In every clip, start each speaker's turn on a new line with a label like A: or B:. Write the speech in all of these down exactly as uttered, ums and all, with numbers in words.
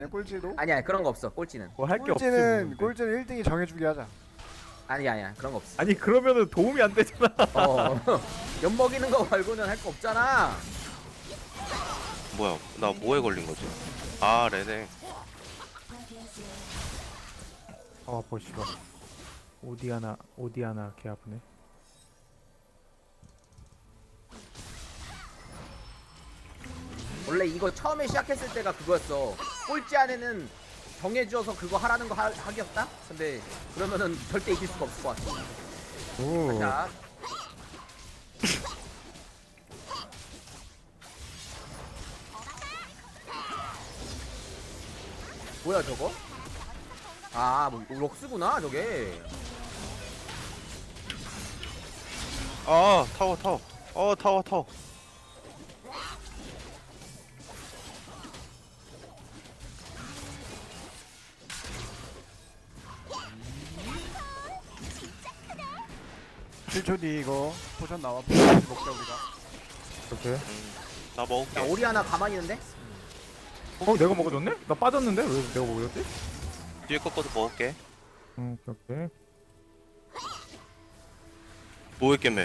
A: 꼴찌도?
B: 아니야 그런 거 없어. 꼴찌는.
C: 뭐 할 게 없지. 뭐
A: 꼴찌는
C: 근데.
A: 꼴찌는 일 등이 정해주게 하자.
B: 아니야 아니야 그런 거 없어.
C: 아니 그러면은 도움이 안 되잖아.
B: 어. 엿 먹이는 거 말고는 할 거 없잖아.
D: 뭐야? 나 뭐에 걸린 거지? 아 레네.
C: 아 보시고. 오디아나 오디아나 개 아프네.
B: 원래 이거 처음에 시작했을 때가 그거였어. 꼴찌 안에는 정해주어서 그거 하라는 거 하, 하기였다? 근데 그러면은 절대 이길 수가 없을 것 같아.
C: 오.
B: 자. 뭐야 저거? 아, 뭐 록스구나 저게.
D: 아 타워 타워. 어 타워 타워.
A: 칠 초 뒤 이거 포션 나와. 포션 먹자 우리가.
C: 오케이.
D: 음, 나 먹을게.
B: 야, 오리 하나 가만히 있는데?
C: 어 내가 먹어줬네? 나 빠졌는데 왜 내가 먹어줬지?
D: 뒤에 거 것도 먹을게.
C: 응 오케이 오케이.
D: 뭐 했겠네.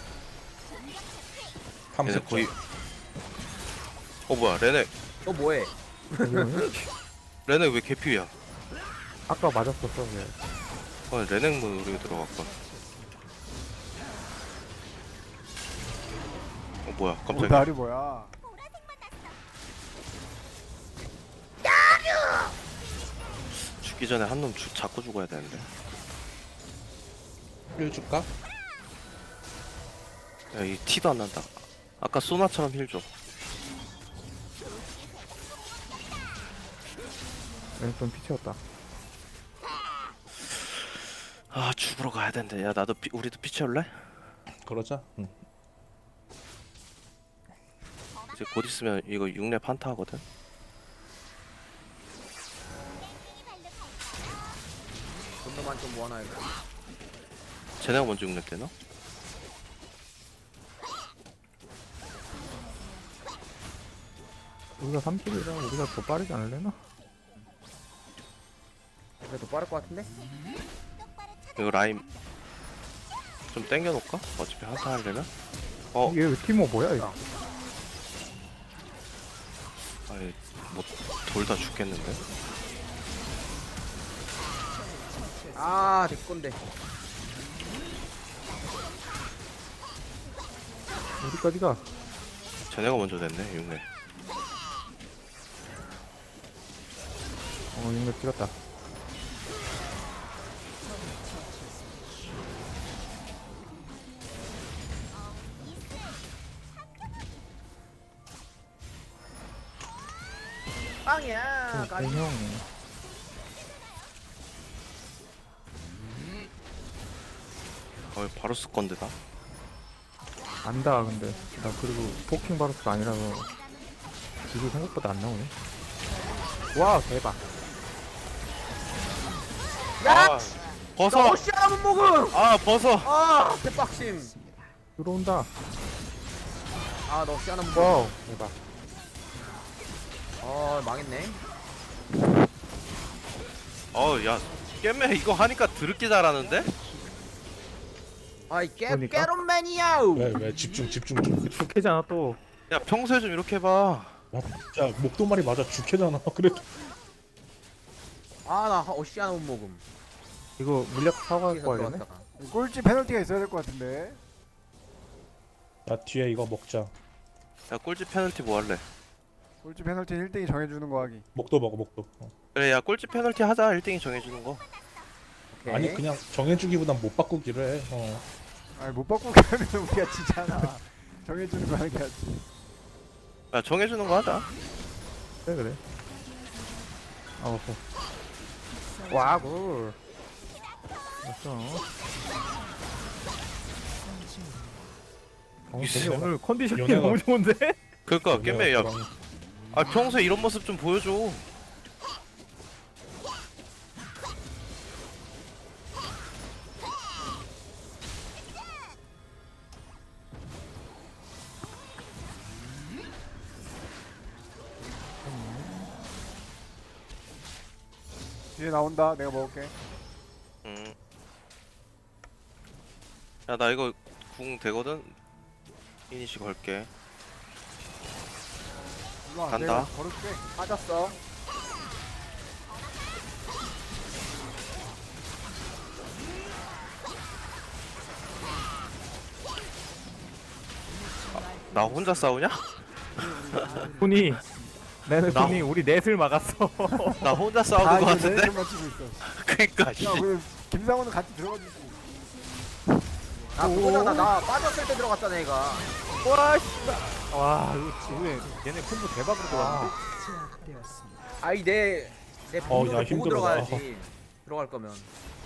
D: 얘네 거의. 어 뭐야 레네.
B: 너 뭐해?
D: 레네 왜 개피야?
C: 아까 맞았었어. 왜?
D: 어 레넥 모드로 들어갔건. 어 뭐야 깜짝이야.
A: 오다리 뭐야?
D: 죽기 전에 한 놈 잡고 죽어야 되는데.
E: 힐 줄까?
D: 야 이 티도 안 난다. 아까 소나처럼 힐 줘.
C: 왼손 피치였다.
D: 아 죽으러 가야 되는데. 야 나도 피, 우리도 피치 올래?
E: 그러자. 응.
D: 이제 곧 있으면 이거 육 렙 한타 하거든.
B: 돈도만 좀 모아놔야겠다.
D: 쟤네가 먼저 육 렙 되나?
C: 우리가 삼 킬이라 우리가 더 빠르지 않을래나?
B: 그래도 빠를 것 같은데?
D: 이거 라임 좀 땡겨놓을까? 어차피 한타 하려면? 어?
C: 얘 티모 뭐야 이거?
D: 아니 뭐 돌 다 죽겠는데?
B: 아, 내 건데.
C: 어디까지 가?
D: 쟤네가 먼저 됐네 육 렙.
C: 어 이거 찍었다.
B: 빵이야. 까지.
C: 대형.
D: 어 바로 쓸 건데 나.
C: 안다 근데 나 그리고 포킹 바루스가 아니라서 이거 생각보다 안 나오네. 와 대박.
B: 야!
D: 아 벗어!
B: 너 어시야 못 먹음!
D: 아 벗어!
B: 아, 대박심.
C: 들어온다.
B: 아, 너 어시야 못 먹음.
C: 와우 대박.
B: 어, 망했네.
D: 어야 깻매 이거 하니까 드럽게 잘하는데?
B: 아이, 깨,
C: 그러니까?
B: 깨론맨이야!
E: 왜, 왜 집중, 집중 좀.
C: 좋게잖아 또.
D: 야 평소에 좀 이렇게 해봐.
E: 야, 야 목도말이 맞아 죽해잖아. 그래도
B: 아, 나 어시야 못 먹음.
C: 이거 물약 사과
B: 여기서
C: 갖고 와야겠네.
B: 들어갔다가.
A: 꼴찌 페널티가 있어야 될 것 같은데.
E: 야 뒤에 이거 먹자.
D: 야 꼴찌 페널티 뭐 할래?
A: 꼴찌 페널티 일 등이 정해주는 거 하기.
E: 목도 먹어 목도. 어.
D: 그래 야 꼴찌 페널티 하자. 일 등이 정해주는 거.
B: 오케이.
E: 아니 그냥 정해주기보단 못 바꾸기로 해. 어.
A: 아니 못 바꾸게 하면 우리가 지잖아. 정해주는 거 하는 게 낫지.
D: 야 정해주는 거 하자.
C: 그래 그래. 어허. 와 굴. 됐어. 어,
D: 이
C: 되게 오늘 컨디션이
E: 연애가-
C: 너무 좋은데?
D: 그니까 깻매 야.
E: 그럼
D: 아 평소에 이런 모습 좀 보여줘.
A: 뒤에 나온다. 내가 먹을게.
D: 음. 야, 나 이거 궁 되거든? 이니시 걸게.
A: 일로 와.
D: 간다.
A: 내가 걸을게.
B: 빠졌어.
D: 나 혼자 싸우냐?
C: 훈이 나는
D: 나-
C: 훈이 우리 넷을 막았어.
D: 나 혼자
A: 다
D: 싸우는 거
A: 이제
D: 같은데?
A: 내를 맞추고 있어.
D: 그니까, 씨.
A: 야, 그 김상훈은 같이 들어가주지.
B: 아 그거잖아. 나 빠졌을 때 들어갔잖아 얘가.
C: 와 씨발. 와 이거 왜 얘네 콤보 대박으로 들어왔는데?
B: 아이 내내
E: 어,
B: 분노를
E: 야,
B: 보고
E: 힘들어.
B: 들어가야지. 들어갈 거면.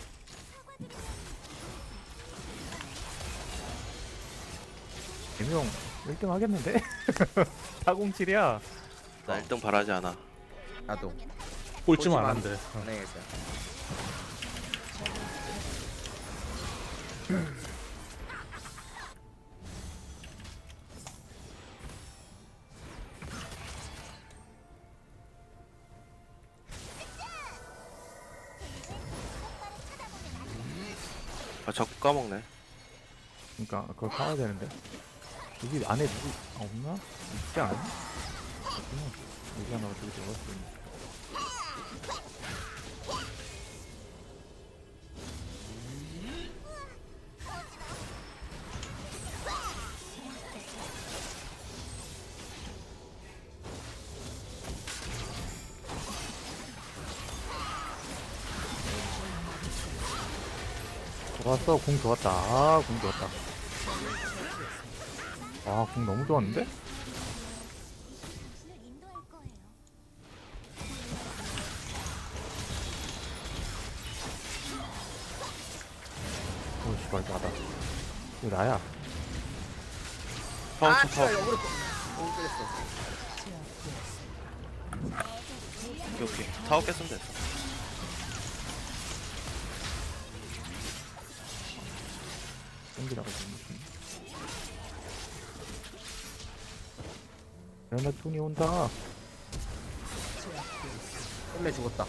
C: 대명 일 등 하겠는데? 사공칠이야.
D: 나 일 등 바라지 않아.
B: 나도.
E: 꼴찌만 안 한대. 어.
B: 네, 일단.
D: 아, 자꾸 까먹네.
C: 그러니까 그걸 파야 되는데. 여기 안에 누구 아, 없나? 있지 않아? 없구나. 여기 하나가 저기 들어갔어. 좋았어, 공 좋았다. 아, 공 좋았다. 아, 공 너무 좋았는데? 오, 씨발, 나다. 이거 나야.
D: 파워
B: 아,
D: 쳐, 파워.
B: 진짜 역으로 또. 너무 때렸어.
D: 오케이, 오케이. 타워 깼으면 됐어.
C: 땡기라고. 레나톤이 온다.
B: 끝내 죽었다.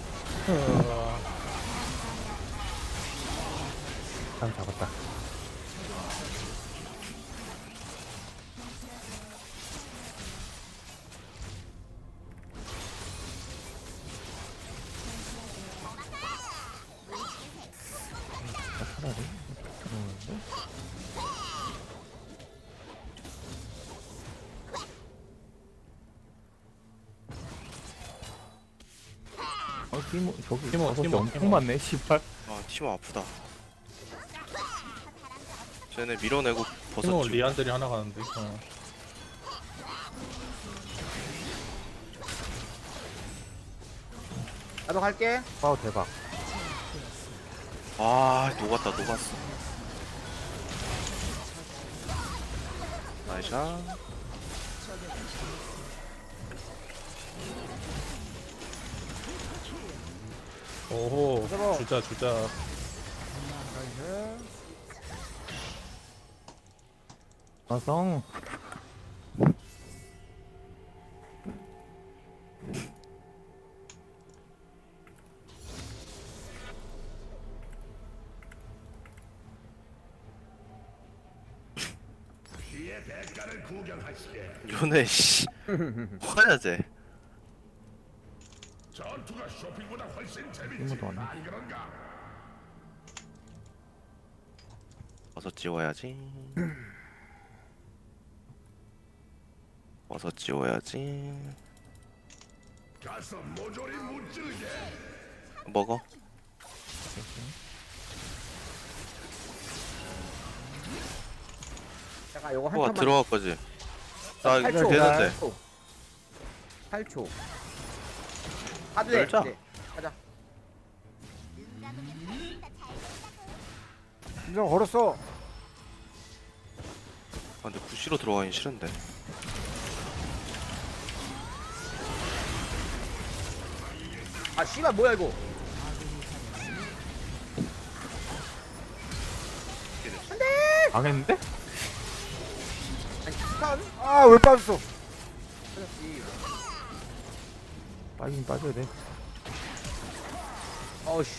C: 잘 잡았다. 차라리 들어오는데? 어, 티모, 저기
E: 티모,
C: 버섯이
E: 티모,
C: 엄청
E: 티모.
C: 많네, 씨발.
D: 아, 티모 아프다. 쟤네 밀어내고
E: 팀원
D: 버섯 주
E: 리안들이 하나 가는데. 어.
B: 나도 갈게.
C: 와우, 대박.
D: 아, 녹았다, 녹았어. 나이샤.
E: 오호.
A: 잡아.
E: 주자 주자.
A: 나이스.
C: 마성.
D: 요네, 씨. 화야, 쟤.
C: 이모도 안 해.
D: 버섯 지워야지. 버섯 지워야지. 먹어.
B: 잠깐 요거 한
D: 뭐가
B: 턴만.
D: 들어갈 거지? 나 이거
B: 팔 초.
D: 되는데.
B: 팔 초. 가도 돼.
D: 열자.
B: 이제. 가자.
A: 김상 걸었어.
D: 아, 근데 구시로 들어가긴 싫은데.
B: 아 씨발 뭐야 이거.
C: 망했는데?
B: 아니 스턴?
A: 아, 왜 빠졌어?
B: 터졌지.
C: 빠지긴 빠져야 돼.
B: 어우씨.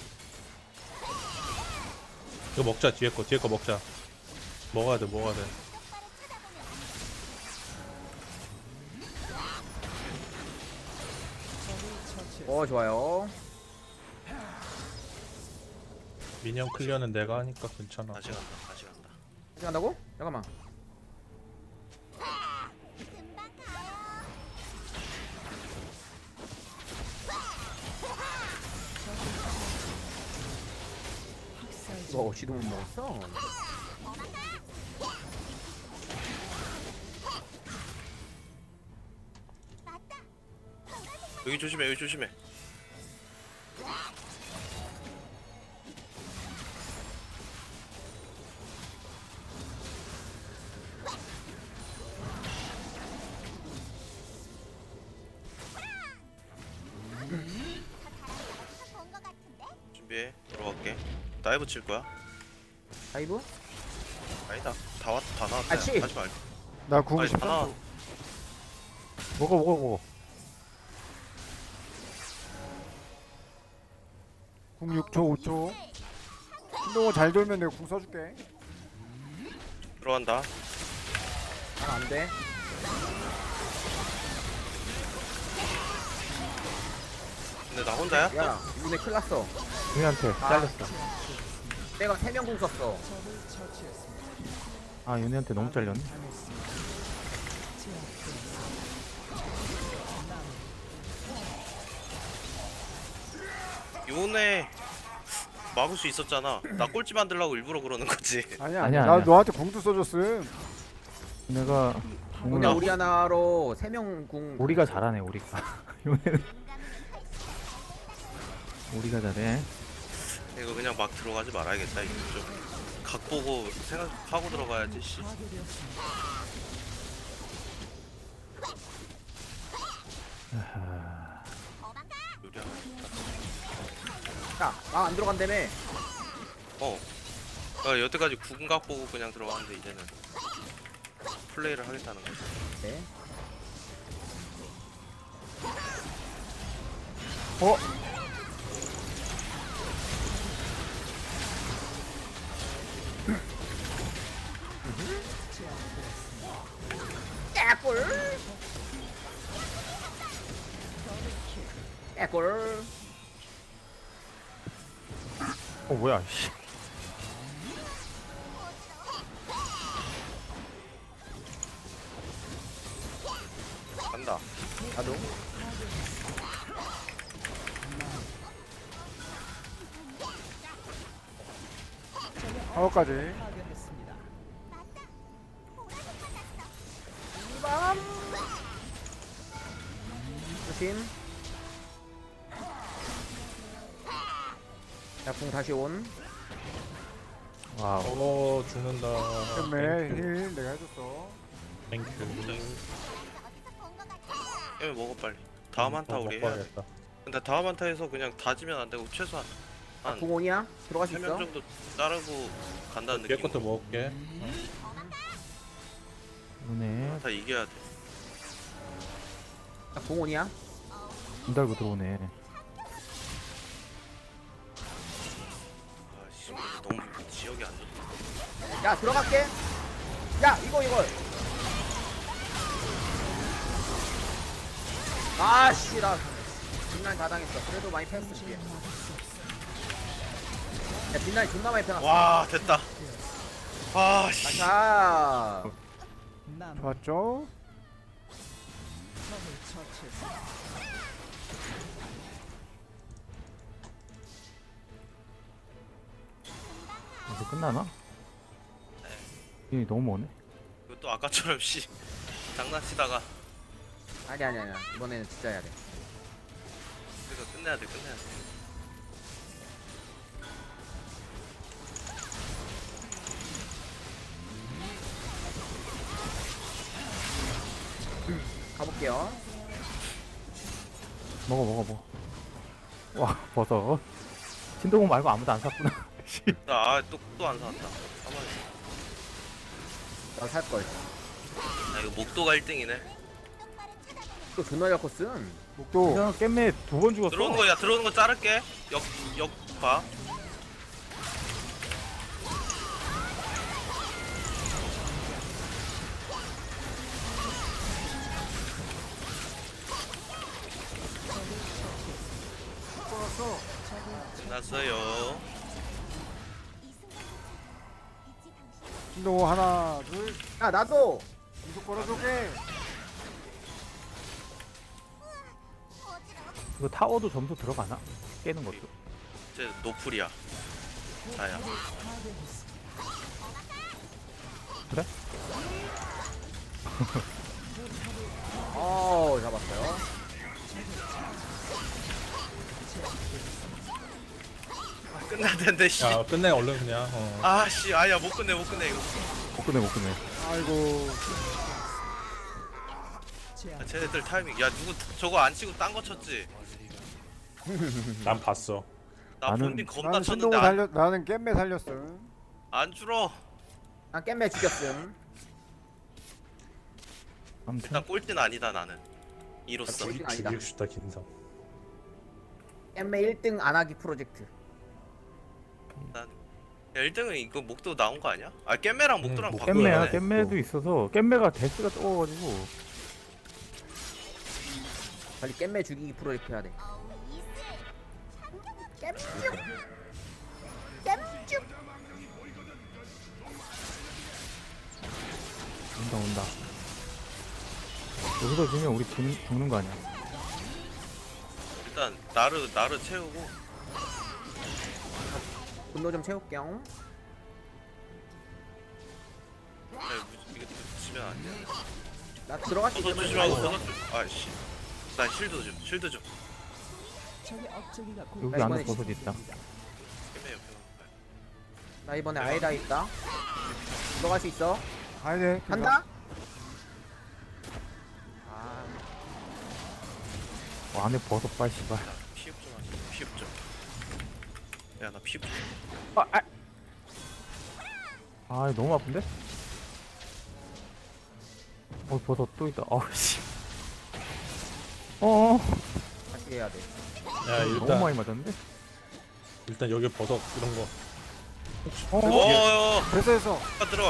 E: 이거 먹자. 뒤에 거 뒤에 거 먹자. 먹어야 돼 먹어야 돼.
B: 어 좋아요.
E: 미니언 클리어는 내가 하니까 괜찮아.
D: 다시 간다 다시 간다.
B: 어디 간다고? 잠깐만. 이거 어찌도 못 먹었어?
D: 여기 조심해 여기 조심해. 준비해 들어갈게. 다이브 칠 거야?
B: 다이브?
D: 아니다 다 왔, 다 나왔다.
B: 아, 치!
D: 하지 말고.
A: 나궁
D: 아니 다
A: 십삼
D: 나와.
A: 초.
C: 먹어 먹어 먹어.
A: 궁 육 초 오 초. 너 잘 돌면 내가 궁 써줄게.
D: 들어간다.
B: 난 안 돼.
D: 근데 나 혼자야?
B: 야, 이분에 큰일 났어.
C: 윤희한테
B: 아.
C: 잘렸어.
B: 내가 세 명 궁 썼어.
C: 아 윤희한테 너무 잘렸네.
D: 요네 막을 수 있었잖아. 나 꼴찌 만들려고 일부러 그러는 거지.
A: 아니야
C: 아니야,
A: 나
C: 아니야.
A: 너한테 궁도 써줬음.
C: 내가
B: 근데
C: 궁을
B: 우리 하나로 세 명 궁.
C: 우리가 잘하네 우리가. 윤희는 우리가 잘해.
D: 이거 그냥 막 들어가지 말아야겠다. 이거 좀 각 보고 생각하고 들어가야지. 씨. 요리 하나 있다.
B: 야, 아, 안 들어간다며.
D: 어. 나 여태까지 구근각 보고 그냥 들어갔는데 이제는 플레이를 하겠다는 거지.
B: 네.
A: 어?
B: 깨꿀. 깨꿀.
C: 어 뭐야? 씨.
D: 간다.
B: 나도.
A: 파워까지.
B: 이밤. 조심. 자, 궁 다시 온.
C: 와우.
E: 어 죽는다.
A: 때문에 힐 내가 해줬어.
E: 땡큐.
D: 깨면 먹어 빨리. 다음 한타
E: 어,
D: 우리 해야 돼.
E: 먹어야겠다.
D: 근데 다음 한타에서 그냥 다지면 안 되고 최소한 한
B: 궁 온이야? 들어갈 수
D: 세 명
B: 있어?
D: 정도 자르고 간다는
E: 뒤에
D: 느낌.
E: 것도 먹을게.
C: 윤희
D: 다 이겨야 돼.
B: 자, 궁 온이야?
C: 문 달고 들어오네.
D: 아씨 너무 지역이 안 좋다.
B: 야, 들어갈게. 야, 이거 이거. 아씨, 나 뒷라인 다 당했어. 그래도 많이 패스 줄게. 야, 뒷라인 존나 많이 패놨어.
D: 와 됐다. 아씨.
B: 자,
A: 좋았죠?
C: 이제 끝나나? 윤희 너무 머네.
D: 이거 또 아까처럼 씨 장난치다가
B: 아니 아니 아니. 이번에는 진짜 해야 돼.
D: 그래서 끝내야 돼 끝내야 돼.
B: 가볼게요.
C: 먹어 먹어 먹어. 와 버섯. 신동훈 말고 아무도 안 샀구나. 씨.
D: 나또또 안 사왔다. 가만히.
B: 나 살 걸.
D: 나 이거 목도가 일 등이네.
B: 또 존나 잘 컸음.
A: 목도
C: 그냥 깻매 두 번 죽었어.
D: 들어오는 거야 들어오는 거 자를게. 역역봐.
A: 걸었어.
D: 끝났어요.
A: 신동 하나 둘
B: 야 나도
A: 계속 걸어줄게.
C: 이거 타워도 점수 들어가나? 깨는 것도.
D: 이제 노플이야. 나야.
C: 그래?
B: 어 잡았어요.
D: 끝날 텐데 씨.
E: 야 끝내 얼른 그냥. 어.
D: 아씨 아야 못 끝내 못 끝내 이거.
C: 못 끝내 못 끝내.
A: 아이고
D: 아, 쟤네들 타이밍. 야 누구 저거 안 치고 딴 거 쳤지?
E: 난 봤어.
D: 나
C: 나는-
D: 본진 겁나
A: 나는
D: 쳤는데
A: 신동을
D: 안,
A: 살렸 나는 깻매 살렸어.
D: 안 줄어.
B: 난 깻매 죽였음.
C: 아무튼
D: 일단 꼴찌는 아니다 나는. 이로써.
B: 꼴찌 아니다.
E: 죽이고 싶다 긴성.
B: 깻매 일 등 안하기 프로젝트.
D: 난 야, 일 등은 이거 목도 나온 거 아니야? 아 깻매랑 목도랑
E: 목-
D: 바꿔야
C: 깻매야
D: 돼.
C: 깻매도 있어서 깻매가 데스가 적어가지고
B: 빨리 깻매 죽이기 프로젝트 해야 돼. 깻쭉. 깻쭉.
C: 온다 온다. 여기서 지면 우리 죽, 죽는 거 아니야?
D: 일단 나르 나르 채우고.
B: 분노 좀 채울게요.
D: 야, 무- 이거 붙이면 안 돼.
B: 나 들어갈 수
D: 버섯
B: 있으면
D: 조심하고
B: 들어가.
D: 버섯 조- 아이씨. 나 실드 좀 실드 좀.
C: 여기 안에 버섯 있다.
D: 깻매 옆에.
B: 나 이번에 아이다 있다. 들어갈 수 있어.
A: 가야 돼.
B: 간다. 아,
C: 어, 안에 버섯 빨 씨발.
D: 나 피흡 좀 하자. 피흡 좀. 야 나 피흡 좀.
C: 아, 아. 아 너무 아픈데? 어 버섯 또 있다. 아우 씨. 어
B: 다시 해야 돼.
E: 야
C: 너무
E: 일단
C: 많이 맞았는데?
E: 일단 여기 버섯 이런 거.
C: 어?
D: 어어.
A: 됐어 됐어.
D: 아 들어와.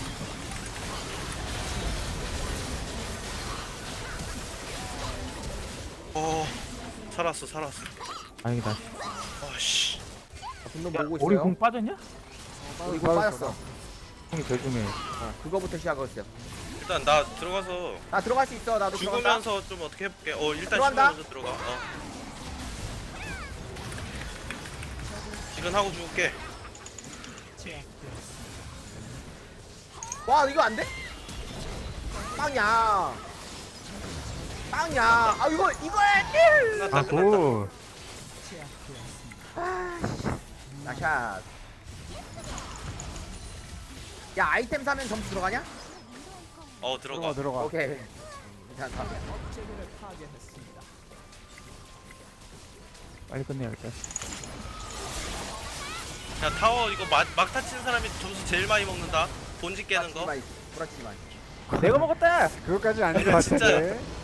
D: 어 살았어 살았어.
C: 다행이다.
D: 아씨.
B: 아, 분노 보고
C: 우리
B: 있어요.
C: 공 빠졌냐?
B: 우리 공 빠졌어.
C: 공이 제일 중요해.
B: 어, 그거부터 시작했어요.
D: 일단 나 들어가서
B: 나 들어갈 수 있어. 나도 들어간다.
D: 죽으면서 좀 어떻게 해볼게. 어 일단
B: 들어간다.
D: 죽으면서 들어가. 어. 지금 하고 죽을게.
B: 와 이거 안 돼? 빵이야. 빵이야. 아 이거 이거 해.
D: 끝났다
C: 아
D: 끝났다.
C: 굿.
B: 나샷. 야 아이템 사면 점수 들어가냐?
D: 어 들어가.
A: 들어가 들어가.
B: 오케이. 괜찮다.
C: 빨리 끝내야겠다.
D: 야 타워 이거 막, 막타 친 사람이 점수 제일 많이 먹는다. 본지 깨는 거.
B: 부러지지 마.
C: 내가 먹었다.
A: 그것까지 아닌 것
D: 야, 진짜.
A: 같은데.